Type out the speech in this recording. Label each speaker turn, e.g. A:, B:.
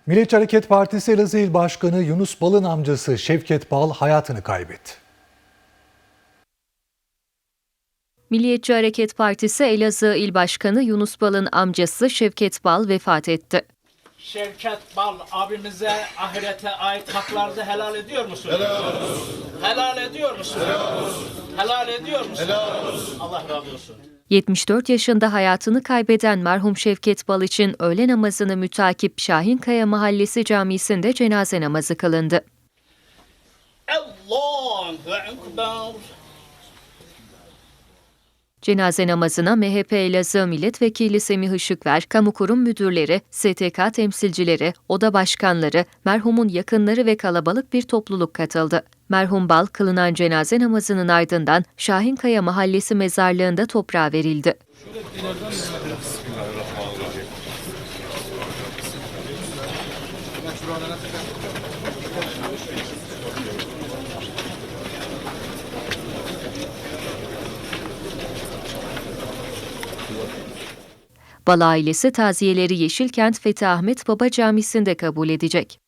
A: Milliyetçi Hareket Partisi Elazığ İl Başkanı Yunus Bal'ın amcası Şevket Bal hayatını kaybetti.
B: Milliyetçi Hareket Partisi Elazığ İl Başkanı Yunus Bal'ın amcası Şevket Bal vefat etti.
C: Şevket Bal abimize ahirete ait haklarını helal ediyor musun? Helal olsun. Helal ediyor musun? Helal olsun. Helal ediyor musun? Helal olsun. Allah razı olsun.
B: 74 yaşında hayatını kaybeden merhum Şevket Bal için öğle namazını mütakip Şahinkaya Mahallesi Camisi'nde cenaze namazı kılındı.
C: Allahu Ekber.
B: Cenaze namazına MHP Elazığ Milletvekili Semih Işıkver, kamu kurum müdürleri, STK temsilcileri, oda başkanları, merhumun yakınları ve kalabalık bir topluluk katıldı. Merhum Bal, kılınan cenaze namazının ardından Şahinkaya Mahallesi mezarlığında toprağa verildi. Bal ailesi taziyeleri Yeşilkent Fethi Ahmet Baba Camisi'nde kabul edecek.